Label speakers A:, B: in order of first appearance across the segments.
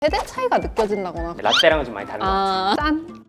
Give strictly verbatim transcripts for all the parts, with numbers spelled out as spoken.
A: 세대 차이가 느껴진다거나.
B: 라떼랑은 좀 많이 다른 것 같아요.
A: 아, 짠!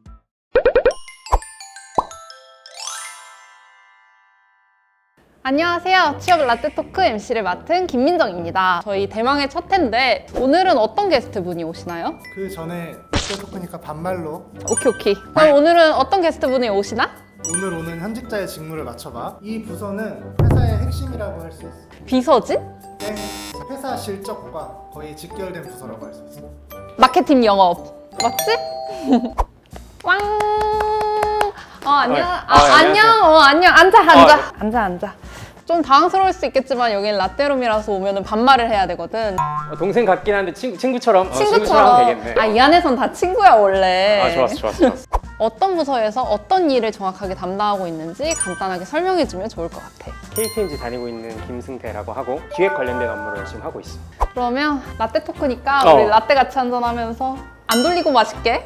A: 안녕하세요. 취업 라떼 토크 엠씨를 맡은 김민정입니다. 저희 대망의 첫 회인데 오늘은 어떤 게스트분이 오시나요?
C: 그 전에 라떼 토크니까 반말로
A: 오케이 오케이. 그럼 오늘은 어떤 게스트분이 오시나?
C: 오늘 오는 현직자의 직무를 맞춰봐. 이 부서는 회사의 핵심이라고 할 수 있어.
A: 비서진?
C: 땡. 회사 실적과 거의 직결된 부서라고 할 수 있어.
A: 마케팅 영업. 맞지? 왕! 어 안녕.
B: 어,
A: 아,
B: 어, 안녕하세요.
A: 안녕. 어 안녕. 앉아 앉아.
B: 어.
A: 앉아 앉아. 좀 당황스러울 수 있겠지만 여기는 라떼룸이라서 오면은 반말을 해야 되거든.
B: 어, 동생 같긴 한데 친, 친구처럼 어,
A: 친구처럼.
B: 되겠네.
A: 아, 이 안에선 다 친구야 원래.
B: 아 좋았어 좋았어 좋았어.
A: 어떤 부서에서 어떤 일을 정확하게 담당하고 있는지 간단하게 설명해주면 좋을 것 같아.
B: 케이티엔지 다니고 있는 김승태라고 하고 기획 관련된 업무를 열심히 하고 있어.
A: 그러면 라떼 토크니까
B: 어.
A: 우리 라떼 같이 한잔하면서 안 돌리고 마실게.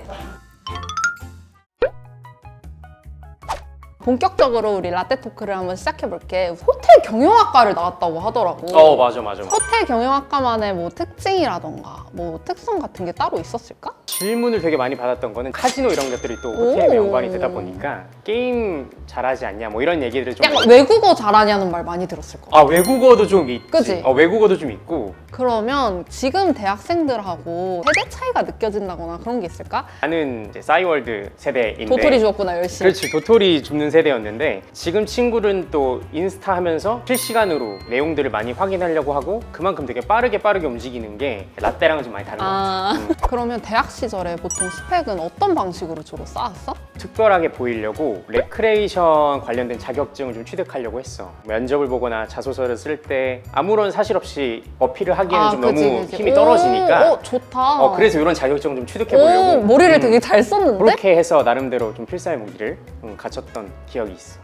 A: 본격적으로 우리 라떼 토크를 한번 시작해볼게. 호텔 경영학과를 나왔다고 하더라고.
B: 어 맞아 맞아.
A: 호텔 경영학과만의 뭐 특징이라던가 뭐 특성 같은 게 따로 있었을까?
B: 질문을 되게 많이 받았던 거는 카지노 이런 것들이 또 호텔에
A: 오.
B: 연관이 되다 보니까 게임 잘하지 않냐 뭐 이런 얘기들을 좀
A: 약간 외국어 잘하냐는 말 많이 들었을 거야.
B: 아 외국어도 좀 있지.
A: 그치?
B: 어 외국어도 좀 있고.
A: 그러면 지금 대학생들하고 세대 차이가 느껴진다거나 그런 게 있을까?
B: 나는 이제 싸이월드 세대인데
A: 도토리 주었구나 열심히.
B: 그렇지 도토리 줍는 세대였는데 지금 친구들은 또 인스타 하면서 실시간으로 내용들을 많이 확인하려고 하고 그만큼 되게 빠르게 빠르게 움직이는 게 라떼랑은 좀 많이 다른 것 같아.
A: 아
B: 음.
A: 그러면 대학 시절에 보통 스펙은 어떤 방식으로 주로 쌓았어?
B: 특별하게 보이려고 레크레이션 관련된 자격증을 좀 취득하려고 했어. 면접을 보거나 자소서를 쓸 때 아무런 사실 없이 어필을 하기에는 좀
A: 그치,
B: 너무
A: 그치.
B: 힘이
A: 오,
B: 떨어지니까
A: 어 좋다.
B: 어, 그래서 이런 자격증을 좀 취득해
A: 오,
B: 보려고
A: 머리를
B: 음,
A: 되게 잘 썼는데?
B: 그렇게 해서 나름대로 좀 필사의 무기를 음, 갖췄던 기억이 있어.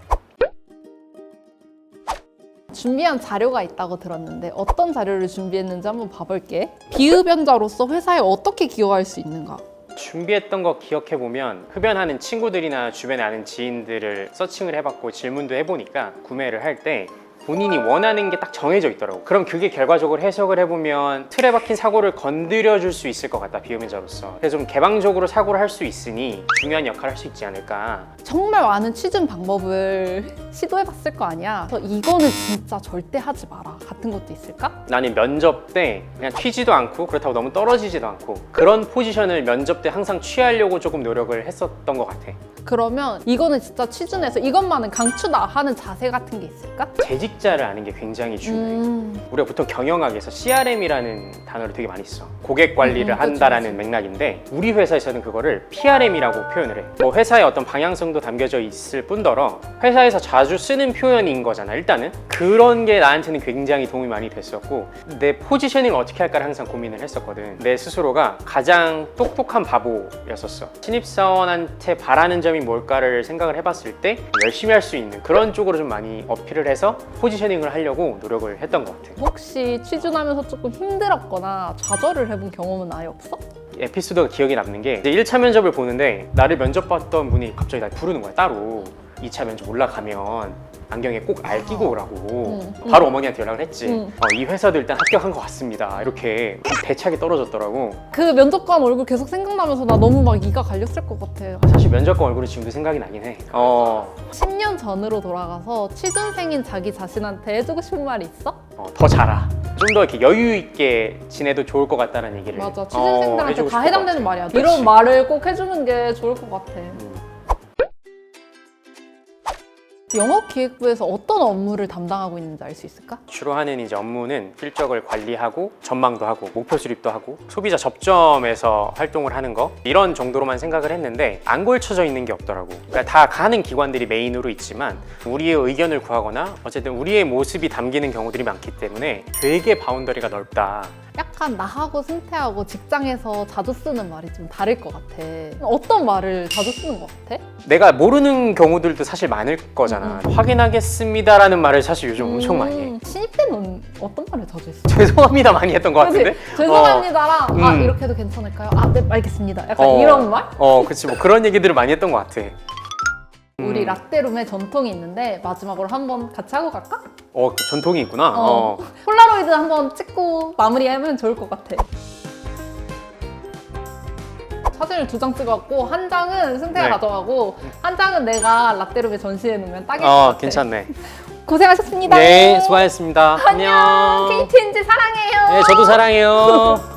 A: 준비한 자료가 있다고 들었는데 어떤 자료를 준비했는지 한번 봐볼게. 비흡연자로서 회사에 어떻게 기여할 수 있는가?
B: 준비했던 거 기억해보면 흡연하는 친구들이나 주변에 아는 지인들을 서칭을 해봤고 질문도 해보니까 구매를 할 때 본인이 원하는 게 딱 정해져 있더라고. 그럼 그게 결과적으로 해석을 해보면 틀에 박힌 사고를 건드려 줄 수 있을 것 같다, 비흡연자로서. 그래서 좀 개방적으로 사고를 할 수 있으니 중요한 역할을 할 수 있지 않을까.
A: 정말 많은 취준 방법을 시도해봤을 거 아니야. 그래서 이거는 진짜 절대 하지 마라 같은 것도 있을까?
B: 나는 면접 때 그냥 튀지도 않고 그렇다고 너무 떨어지지도 않고 그런 포지션을 면접 때 항상 취하려고 조금 노력을 했었던 것 같아.
A: 그러면 이거는 진짜 취준에서 이것만은 강추다 하는 자세 같은 게 있을까?
B: 재직자를 아는 게 굉장히 중요해.
A: 음,
B: 우리가 보통 경영학에서 씨알엠이라는 단어를 되게 많이 써. 고객 관리를
A: 음, 그치,
B: 한다라는 맥락인데 우리 회사에서는 그거를 피알엠이라고 표현을 해. 뭐 회사의 어떤 방향성도 담겨져 있을 뿐더러 회사에서 자주 쓰는 표현인 거잖아. 일단은 그런 게 나한테는 굉장히 도움이 많이 됐었고 내 포지셔닝을 어떻게 할까를 항상 고민을 했었거든. 내 스스로가 가장 똑똑한 바보였었어. 신입사원한테 바라는 점이 뭘까를 생각을 해봤을 때 열심히 할 수 있는 그런 쪽으로 좀 많이 어필을 해서 포지셔닝을 하려고 노력을 했던 것 같아.
A: 혹시 취준하면서 조금 힘들었거나 좌절을 해본 경험은 아예 없어?
B: 에피소드가 기억에 남는 게 이제 일 차 면접을 보는데 나를 면접 봤던 분이 갑자기 날 부르는 거야 따로. 이 차 면접 올라가면 안경에 꼭 알 끼고 오라고.
A: 음,
B: 바로 어머니한테 연락을 했지.
A: 음.
B: 어, 이 회사도 일단 합격한 것 같습니다. 이렇게 대차게 떨어졌더라고.
A: 그 면접관 얼굴 계속 생각나면서 나 너무 막 이가 갈렸을 것 같아.
B: 사실 면접관 얼굴이 지금도 생각이 나긴 해. 어,
A: 십 년 전으로 돌아가서 취준생인 자기 자신한테 해주고 싶은 말이 있어?
B: 어, 더 자라. 좀 더 이렇게 여유 있게 지내도 좋을 것 같다는 얘기를
A: 맞아,
B: 어,
A: 취준생들한테
B: 해주고
A: 다
B: 싶을
A: 해당되는
B: 것 같아.
A: 말이야.
B: 그치.
A: 이런 말을 꼭 해주는 게 좋을 것 같아.
B: 음.
A: 영업기획부에서 어떤 업무를 담당하고 있는지 알 수 있을까?
B: 주로 하는 이제 업무는 실적을 관리하고 전망도 하고 목표 수립도 하고 소비자 접점에서 활동을 하는 거 이런 정도로만 생각을 했는데 안 걸쳐져 있는 게 없더라고. 그러니까 다 가는 기관들이 메인으로 있지만 우리의 의견을 구하거나 어쨌든 우리의 모습이 담기는 경우들이 많기 때문에 되게 바운더리가 넓다.
A: 약간 나하고 승태하고 직장에서 자주 쓰는 말이 좀 다를 것 같아. 어떤 말을 자주 쓰는 것 같아?
B: 내가 모르는 경우들도 사실 많을 거잖아. 확인하겠습니다라는 말을 사실 요즘
A: 음,
B: 엄청 많이 해.
A: 신입 때는 어떤 말을 자주 했어?
B: 죄송합니다 많이 했던 것 같은데?
A: 그치? 죄송합니다랑
B: 어,
A: 아
B: 음.
A: 이렇게 해도 괜찮을까요? 아 네 알겠습니다. 약간
B: 어,
A: 이런 말?
B: 어 그치 뭐 그런 얘기들을 많이 했던 것 같아.
A: 우리
B: 음.
A: 라떼룸에 전통이 있는데 마지막으로 한번 같이 하고 갈까?
B: 어 전통이 있구나.
A: 어.
B: 어.
A: 폴라로이드 한번 찍고 마무리하면 좋을 것 같아. 사진을 두 장 찍어갖고 한 장은 승태가
B: 네.
A: 가져가고 한 장은 내가 라떼룸에 전시해 놓으면 딱일 것
B: 어,
A: 같아.
B: 괜찮네.
A: 고생하셨습니다.
B: 네, 수고하셨습니다.
A: 안녕. 케이티엔지 사랑해요.
B: 네, 저도 사랑해요.